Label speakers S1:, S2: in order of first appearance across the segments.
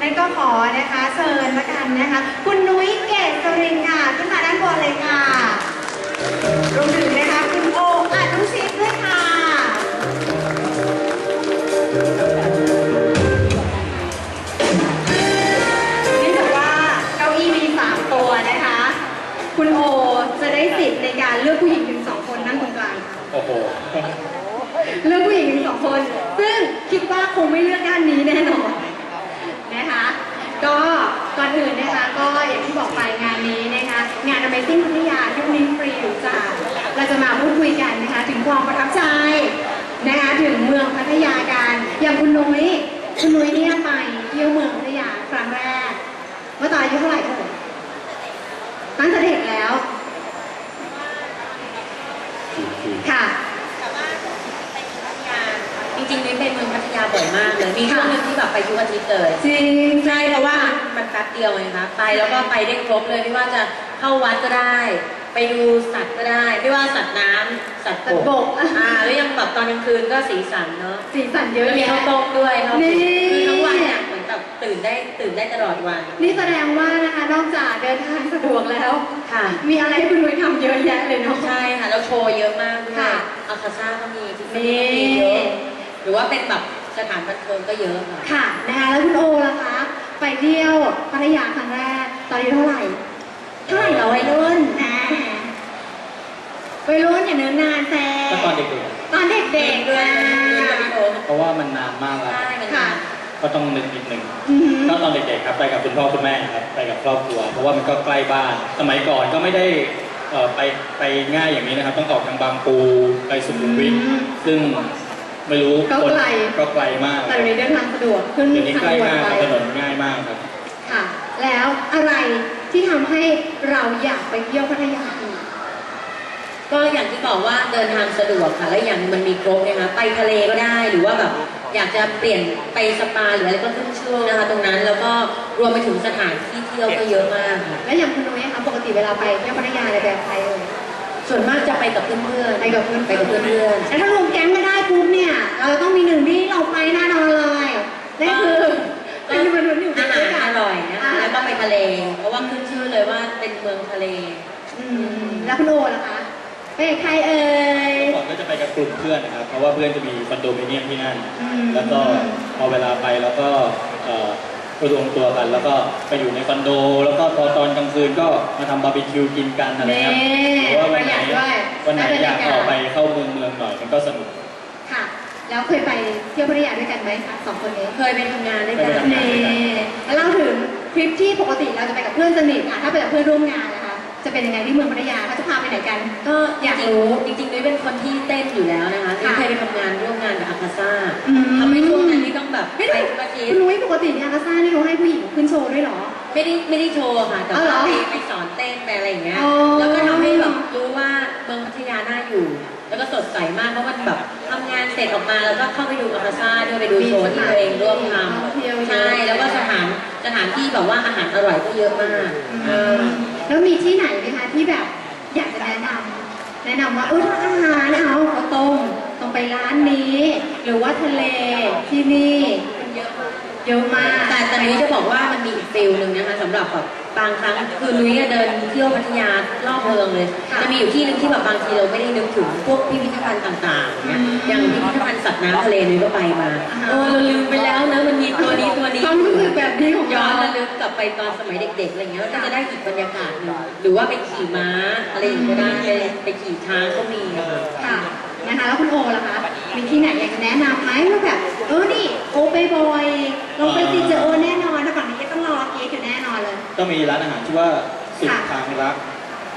S1: นั้นก็ขอนะคะเชิญละกันนะคะคุณนุ้ยเกษรินค่ะขึ้นมาด้านบนเลยค่ะรวมถึงนะคะคุณโออนุชิตด้วยค่ะเนื่องจากว่าเก้าอี้มี3ตัวนะคะคุณโอจะได้สิทธิ์ในการเลือกผู้หญิงถึง2คนนั่งตรงกลางค่ะ
S2: โอ้โห
S1: เลือกผู้หญิงถึง2คนซึ่งคิดว่าคงไม่เลือกด้านนี้แน่นอนนะคะก็ก่อนอื่นนะคะก็อย่างที่บอกไปงานนี้นะคะงาน Amazing พัทยายุคนี้ฟรีหรือจ่ายเราจะมาพูดคุยกันนะคะถึงความประทับใจนะคะถึงเมืองพัทยากันอย่างคุณนุ้ยเนี่ยไปเที่ยวเมืองพัทยาครั้งแรกเมื่อตอนอายุเท่าไหร่เอ่ยตั้งแต่เด็กแล้วค่ะ
S3: จริงๆนุ้ยไปเมืองพัทยาบ่อยมากเลยมีช่วงนึงที่แบบไปทุกอาทิตย์เลย
S1: จริง
S3: ใช่เพราะว่ามันแป๊บเดียวไงคะไปแล้วก็ไปได้ครบเลยไม่ว่าจะเข้าวัดก็ได้ไปดูสัตว์ก็ได้ไม่ว่าสัตว์น้ำสัตว์บกแล้วยังแบบตอนกลางคืนก็สีสันเนาะ
S1: สีสันเยอะ
S3: มีข้าวต้มด้วยคือทั้งวัน
S1: เนี่
S3: ยเหมือนแบบตื่นได้ตลอดวัน
S1: นี่แสดงว่านะคะนอกจากเดินทางสะดวกแล้ว
S3: ค่ะ
S1: มีอะไรให้คุณนุ้ยทำเยอะแยะเลยเนาะ
S3: ใช่ค่ะแล้วโชว์เยอะมากด้วยอาคาซ่าก็มีที่นี่เยอะหรือว่าเป็นแบบสถานบันเทิงก็เยอะ
S1: ค่ะนะคะแล้วคุณโอล่ะคะไปเที่ยวพัทยาครั้งแรกตอนอายุเท่าไหร่เหรอวัยรุ่นอย่าเนิ่นนานแซ่
S2: ก็ตอนเด็กๆ
S1: ด้วย
S2: เพราะว่ามันนานมากแล้ว
S1: ค่ะ
S2: ก็ต้องนึกนิดนึงก็ตอนเด็กๆครับไปกับคุณพ่อคุณแม่ครับไปกับครอบครัวเพราะว่ามันก็ใกล้บ้านสมัยก่อนก็ไม่ได้ไปง่ายอย่างนี้นะครับต้องออกทางบางปูไปสุขุมวิทซึ่งไม่รู้
S1: ก็
S2: ไกลมาก
S1: แต่เดี๋ยวนี้เดินทางสะดวกขึ้น
S2: เดี๋ยวนี้ใกล้มากถนนง่ายมากครับ
S1: ค่ะแล้วอะไรที่ทำให้เราอยากไปเที่ยวพัทยาอีก
S3: ก็อย่างที่บอกว่าเดินทางสะดวกค่ะและอย่างมันมีครบนะคะไปทะเลก็ได้หรือว่าแบบอยากจะเปลี่ยนไปสปาหรืออะไรก็ขึ้นช่วงนะคะตรงนั้นแล้วก็รวมไปถึงสถานที่เที่ยวก็เยอะมากค่ะ
S1: และอย่างคุณนุ้ยคะปกติเวลาไปเที่ยวพัทยาอะไรแบบใครเอ่ย
S3: ส่วนมากจะไปกับเพื่อน
S1: ไปกับเพื่อน
S3: แล้ว
S1: ถ้ารวมแก๊งมาได้ปุ๊บเนี่ยเราต้องมีหนึ่งที่เราไปแน่นอนเลยนั่นคือมันอยู่
S3: อาหารอร่อยนะคะแล้วก็ไปทะเลเพราะว่าขึ้นชื่อเลยว่าเป็นเมืองทะเล
S1: แล้วคุณโอล่ะคะไปกับใครเอ่ย
S2: ก่อนก็จะไปกับกลุ่มเพื่อนนะครับเพราะว่าเพื่อนจะมีคอนโดมิเนียมที่นั่นแล้วก็พอเวลาไปแล้วก็รวมตัวกันแล้วก็ไปอยู่ในคอนโดแล้วก็พอตอนกลางคืนก็มาทำบาร์บีคิวกินกันอะไรครับหรือว่าวันไหนอยากออกไปเข้าเมืองหน่อยมันก็สนุก
S1: ค่ะแล้วเคยไปเที่ยวพัทยาด้วยกันไหมคะ2 คนนี้
S3: เคยไปทำงานด้วยกัน
S1: แล้วเล่าถึงทริปที่ปกติเราจะไปกับเพื่อนสนิทถ้าไปกับเพื่อนร่วมงานนะคะจะเป็นยังไงที่เมืองพัทยาเขาจะพาไปไหนกัน
S3: ก็อยากรู้จริงๆนุ้ยเป็นคนที่เต้นอยู่แล้วนะคะเคยไปทำงานร่วมงานกับอาคาซ่าทำให้ช่วงนั้นที่ต้องแบบไปทุกอาทิตย์
S1: คุณนุ้ยปกติเนี่ยอาคาซ่านี่เขาให้ผู้หญิงขึ้นโชว์ด้วยหรอ
S3: ไม่ได้โชว์ค่ะแต่ว่าไปสอนเต้นไปอะไรอย่างเงี้ยแล้วก็ทำให้แบบรู้ว่าเมืองพัทยาน่าอยู่แล้วก็สดใสมากเพราะมันแบบทำงานเสร็จออกมาแล้วก็เข้าไปดูอาคาซ่าด้วยไปดูโชว์ที่ตัวเองร่วมทำใช่แล้วก็สถานที่แบบว่าอาหารอร่อยก็เยอะมาก
S1: แล้วมีที่ไหนไหมคะที่แบบอยากจะแนะนำว่าถ้าอาหารเอาข้าวต้มต้องไปร้านนี้หรือว่าทะเลที่นี่เยอะมาก
S3: แต่นุ้ยจะบอกว่ามันมีอีกฟิลหนึ่งนะคะสำหรับแบบบางครั้งคือนุ้ยเดินเที่ยวพัทยารอบเมืองเลยจะมีอยู่ที่หนึ่งที่แบบบางทีเราไม่ได้นึกถึงพวกพิพิธภัณฑ์ต่างๆเนี่ยอย่างพิพิธภัณฑ์สัตว์น้ำทะเลนุ้ยก็ไปมาเราลืมไปแล้วนะมันมีตัวนี้
S1: ความรู้สึกแบบนี้ของ
S3: ย้อนระลึกกลับไปตอนสมัยเด็กๆอะไรเงี้ยก็จะได้อีกบรรยากาศหนึ่งหรือว่าไปขี่ม้าอะไรอย่างเงี้ยก็ได้ไปขี่ช้างก็มี
S1: ค่ะนะคะแล้วคุณโอล่ะคะมีที่ไหนอยากจะแนะนำไหมว่าแบบนี่โอไปบ่อยลงไปติเจอแน่นอนถ้าฝั่งนี้ก็ต้องรอเก๊อยู่แน่นอนเลย
S2: ก็มีร้านอาหารชื่อว่าสุดทางรัก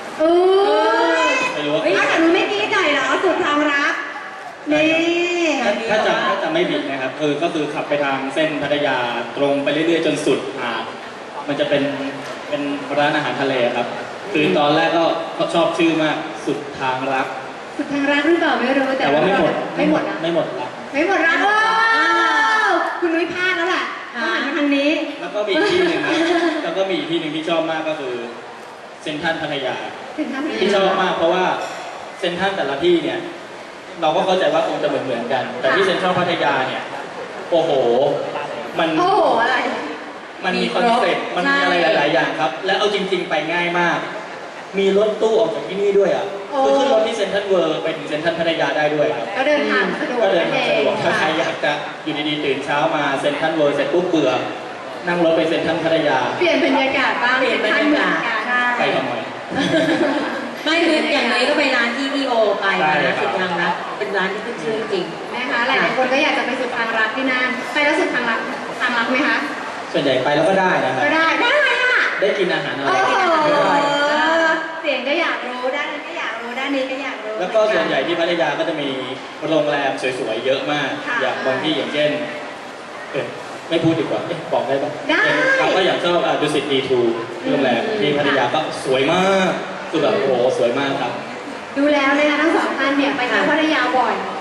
S1: ไม่รู้ว่าแต่หนูไม่ดีใจเหรอสุดทางรักนี่
S2: ถ้าจะไม่ผิดนะครับก็คือขับไปทางเส้นพัทยาตรงไปเรื่อยๆจนสุดมันจะเป็นร้านอาหารทะเลครับคือตอนแรกก็ชอบชื่อมากสุดทางรัก
S1: สุดทางรักหรือเปล่าไม่รู้
S2: แต่ว่าไม่หมด
S1: รักคุณนุ้ยพลาดแล้วแหละต้องหันมาทางนี้
S2: แล้วก็มีที่หนึ่งแล้วก็มีที่หนึ่งที่ชอบมากก็คือเซ็นทรัลพัทยาที่ชอบมากเพราะว่าเซ็นทรัลแต่ละที่เนี่ยเราก็เข้าใจว่าคงจะเหมือนกันแต่ที่เซ็นทรัลพัทยาเนี่ยโอ้โห
S1: อะไร
S2: มัมันมีคอนเซ็ปต์มันมีอะไรหลายๆอย่างครับ และเอาจริงๆไปง่ายมาก มีรถตู้ออกจากที่นี่ด้วยอ่ะคือขึ้นรถที่เซ็นทรัลเวิลด์ไปถึงเซ็นทรัลพัทยาได้ด้วยครับ
S1: ก็เดินทางสะดวก
S2: ก็เดิน
S1: นั่น
S2: ทาง
S1: เอ
S2: สะด
S1: ง
S2: วกถ้าใครอยากจะอยู่ดีๆตื่นเช้ามาเซ็นทรัลเวิลด์เสร็จปุ๊บเบื่อนั่งรถไปเซ็นทรัลพัทยา
S1: เปลี่ยนบรรยากาศบ้าง
S3: เปลี่ยนบรรยากาศ
S2: ไปทำไม
S3: ไม่คืออย่างนี้ก็ไปร้านที่พี่โอไป
S2: ได้
S3: นะครับ สุดทางรักเป็นร้านที่ขึ้นชื่อจริง
S1: นะคะหลายๆคนก็อยากจะไปสุดทางรักที่นั่นไปแล้วสุดทางรักไหมคะ
S2: ส่วนใหญ่ไปแล้วก็ได้นะครับ
S1: ก็ได้อ่ะ
S2: ได้กินอาหารอะไร
S1: โอ้
S2: กิน
S1: โห
S2: อาหารได้
S1: เสียงก็อยากรู้ด้านนั้นก็อยากรู้ด้านนี้ก็อยากรู้
S2: แล้วก็ส่วนใหญ่ที่พัทยาก็จะมีโรงแรมสวยๆเยอะมาก
S1: ค่ะ
S2: อย่างบางที่อย่างเช่นไม่พูดดีกว่าบอกได้ปะ
S1: ได้
S2: เราก็อย่างชอบดุสิตดีทูโรงแรมที่พัทยาก็สวยมากคือแบบโอ้โหสวยมากครับ
S1: ดูแล้วนะคะทั้งสองท่านเนี่ยไปเที่ยวพัทยาบ่อย